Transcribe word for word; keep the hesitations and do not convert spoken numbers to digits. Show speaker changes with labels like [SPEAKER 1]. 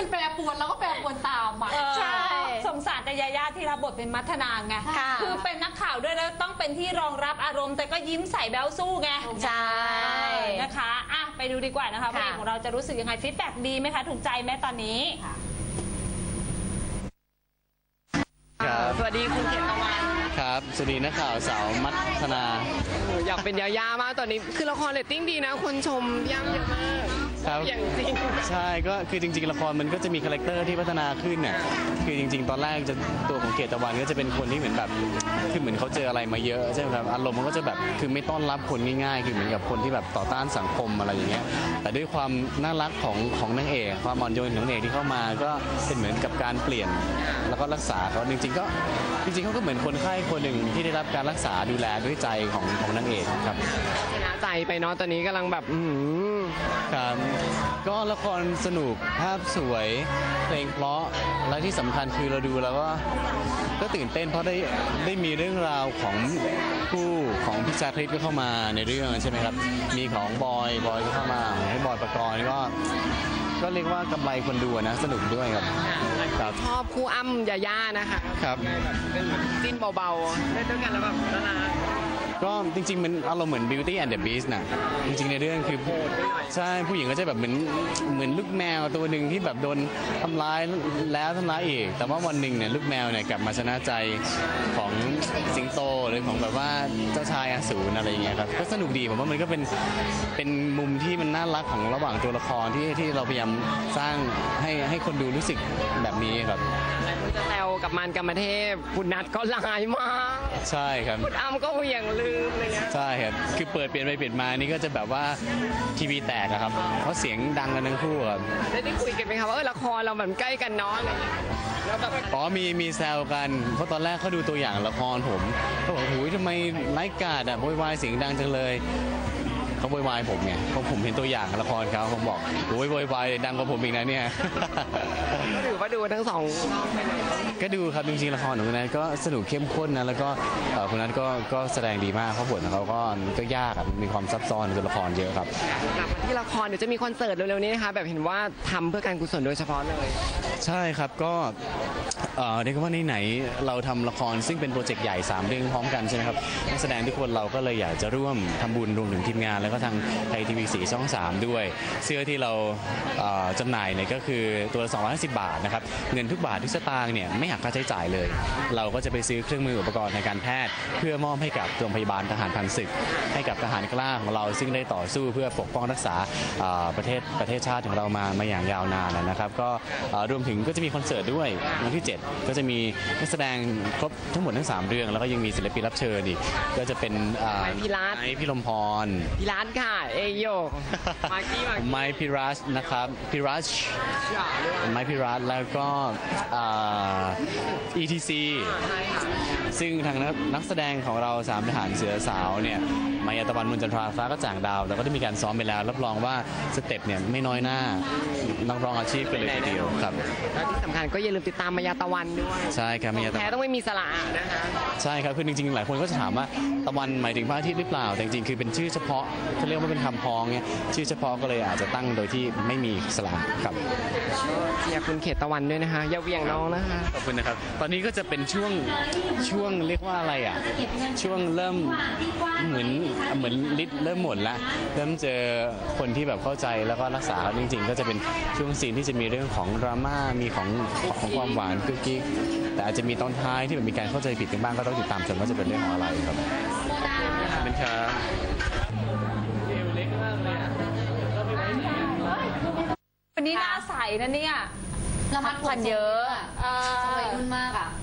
[SPEAKER 1] มันแปรปรวนแล้วก็แปรปรวนตามอ่ะ
[SPEAKER 2] ใช่สงสารแต่ยาย่าที่รับบทเป็นมัทนาไงคือเป็นนักข่าวด้วยแล้วต้องเป็นที่รองรับอารมณ์แต่ก็ยิ้มใส่แบ๊วสู้ไง
[SPEAKER 3] ใช่
[SPEAKER 2] นะคะอ่ะไปดูดีกว่านะคะพระเอกของเราจะรู้สึกยังไงฟีดแบ็กดีไหมคะถูกใจไหมตอนนี้
[SPEAKER 4] สวัสดีคุณเขตตะวัน
[SPEAKER 5] ครับสวัสดีนักข่าวสาวมัทนา
[SPEAKER 4] อยากเป็นยาย่ามากตอนนี้คือละครเรตติ้งดีนะคนชมย่ำเยอะมาก
[SPEAKER 5] ครับ
[SPEAKER 4] อย่างจริง
[SPEAKER 5] ใช่ก็คือจริงๆละครมันก็จะมีคาแรคเตอร์ที่พัฒนาขึ้นเนี่ยคือจริงๆตอนแรกจะตัวของเกตตะวันก็จะเป็นคนที่เหมือนแบบคือเหมือนเขาเจออะไรมาเยอะใช่ไหมครับอารมณ์มันก็จะแบบคือไม่ต้อนรับคนง่ายๆคือเหมือนกับคนที่แบบต่อต้านสังคมอะไรอย่างเงี้ยแต่ด้วยความน่ารักของของนางเอกความอ่อนโยนของนางเอกที่เข้ามาก็เป็นเหมือนกับการเปลี่ยนแล้วก็รักษาเขาจริงๆก็จริงๆเขาก็เหมือนคนไข้คนหนึ่งที่ได้รับการรักษาดูแลด้วยใจของของนางเอกครับ
[SPEAKER 4] ชนะใจไปเนาะตอนนี้กำลังแบบอืม
[SPEAKER 5] ครับก็ละครสนุกภาพสวยเพลงเพราะและที่สำคัญคือเราดูแล้วก็ก็ตื่นเต้นเพราะได้ได้มีเรื่องราวของคู่ของพี่ชาคริสก็เข้ามาในเรื่องใช่ไหมครับมีของบอยบอยก็เข้ามาให้บอยประกรณ์ก็ก็เรียกว่ากำไรคนดูนะสนุกด้วยครับ
[SPEAKER 4] ครับชอบคู่อ้ำยาย่านะคะ
[SPEAKER 5] ครับ
[SPEAKER 4] เป็นเหมือนจิ้นเบาๆเล่นด้วยกันแล้วแบบน่ารัก
[SPEAKER 5] ก็จริงๆมันอารมณ์เหมือน Beauty and the Beast นะจริงๆในเรื่องคือใช่ผู้หญิงก็จะแบบเหมือนเหมือนลูกแมวตัวหนึ่งที่แบบโดนทำร้ายแล้วทำร้ายอีกแต่ว่าวันหนึ่งเนี่ยลูกแมวเนี่ยกลับมาชนะใจของสิงโตหรือของแบบว่าเจ้าชายอสูรอะไรอย่างเงี้ยครับก็สนุกดีผมว่ามันก็เป็นเป็นมุมที่มันน่ารักของระหว่างตัวละครที่ที่เราพยายามสร้างให้ให้คนดูรู้สึกแบบนี้ครับ
[SPEAKER 4] จะแซวกับมันกรรมเทพคุณนัทก็ลายมาก
[SPEAKER 5] ใช่ครับ
[SPEAKER 4] คุณอ้ำก็เหวี่ยงลืมอะไรเงี้ย
[SPEAKER 5] ใช่ครับคือเปิดเปลี่ยนไปเปลี่ยนมานี่ก็จะแบบว่าทีวีแตกอะครับเพราะเสียงดังกันทั้งคู่ครับ
[SPEAKER 4] ได้ได้คุยกันไหมครับว่าเออละครเราแบบใกล้กันเนาะอะไรอย่างเงี้ยแล้วแบบ
[SPEAKER 5] อ๋อมีมีแซวกันเพราะตอนแรกเขาดูตัวอย่างละครผมเขาบอกโอ้ยทำไมไร้กาดอะโวยวายเสียงดังจังเลยเขาโวยวายผมไงเพราะผมเห็นตัวอย่างละครเขาผมบอกโอ้ยโวยวายดังกว่าผมอีกนะเนี่ย
[SPEAKER 4] ก็ถือว่าดูทั้งสอง
[SPEAKER 5] ก็ดูครับจริงๆละครของคุณนัทก็สนุกเข้มข้นนะแล้วก็คุณนัทก็ก็แสดงดีมากเพราะบทของเขาก็ก็ยากมีความซับซ้อนในตัวละครเยอะครับ
[SPEAKER 4] กลับมาที่ละครเดี๋ยวจะมีคอนเสิร์ตเร็วๆนี้นะคะแบบเห็นว่าทำเพื่อการกุศลโดยเฉพาะเลย
[SPEAKER 5] ใช่ครับก็เรียกว่าไหนๆเราทำละครซึ่งเป็นโปรเจกต์ใหญ่สามเรื่องพร้อมกันใช่ไหมครับนักแสดงทุกคนเราก็เลยอยากจะร่วมทำบุญรวมถึงทีมงานแล้วก็ทางไทยทีวีสี่ช่องสามด้วยเสื้อที่เราจำหน่ายเนี่ยก็คือตัวสองร้อยห้าสิบบาทนะครับเงินทุกบาททุกสตางค์เนี่ยไม่หักค่าใช้จ่ายเลยเราก็จะไปซื้อเครื่องมืออุปกรณ์ในการแพทย์เพื่อมอบให้กับโรงพยาบาลทหารผ่านศึกให้กับทหารกล้าของเราซึ่งได้ต่อสู้เพื่อปกป้องรักษาประเทศประเทศชาติของเรามามาอย่างยาวนานนะครับก็รวมถึงก็จะมีคอนเสิร์ตด้วยวันที่เจ็ดก็จะมีนักแสดงครบทั้งหมดทั้งสามเรื่องแล้วก็ยังมีศิลปินรับเชิญอีกก็จะเป็น
[SPEAKER 4] ไมค์พิรัต
[SPEAKER 5] พี่ลมพร
[SPEAKER 4] พิรัตค่ะเอโยมาร์กี้
[SPEAKER 5] ไมค์พิรัตนะครับพิรัตไมค์พิรัตแล้วก็ อี ที ซี ซึ่งทางนักแสดงของเราสามทหารเสือสาวเนี่ยมายาตะวันมุนจันทราฟ้าก็จ่างดาวแล้วก็ได้มีการซ้อมไปแล้วรับรองว่าสเต็ปเนี่ยไม่น้อยหน้านักร้องอาชีพกันเลยทีเดียวครับ
[SPEAKER 4] แล้วที่สำคัญก็อย่าลืมติดตามมายาตะวันด้วย
[SPEAKER 5] ใช่ครับมายาตะวัน
[SPEAKER 4] แท้ต้องไม่มีสระนะคะ
[SPEAKER 5] ใช่ครับคือจริงๆหลายคนก็จะถามว่าตะวันหมายถึงพระอาทิตย์หรือเปล่าแต่จริงๆคือเป็นชื่อเฉพาะเขาเรียกว่าเป็นคำพ้องเนี่ยชื่อเฉพาะก็เลยอาจจะตั้งโดยที่ไม่มีสระครับ
[SPEAKER 4] เชียร์คุณเขตตะวันด้วยนะคะอย่าเวียงน้องนะคะ
[SPEAKER 5] ขอบคุณนะครับตอนนี้ก็จะเป็นช่วงช่วงเรียกว่าอะไรอ่ะช่วงเริ่มเหมือนเหมือนฤทธิ์เริ่มหมดละเริ่มเจอคนที่แบบเข้าใจแล้วก็รักษาจริงๆก็จะเป็นช่วงซีนที่จะมีเรื่องของดราม่ามีของของความหวานกุ๊กกิ๊กแต่อาจจะมีตอนท้ายที่แบบมีการเข้าใจผิดกันบ้างก็ต้องติดตามชมว่าจะเป็นเรื่องของอะไรครับเป็นครับ
[SPEAKER 2] วันนี้หน้าใสนะเนี่ย
[SPEAKER 1] ระมัดระวังเยอะ
[SPEAKER 2] สวยรุ่นมากอ่ะ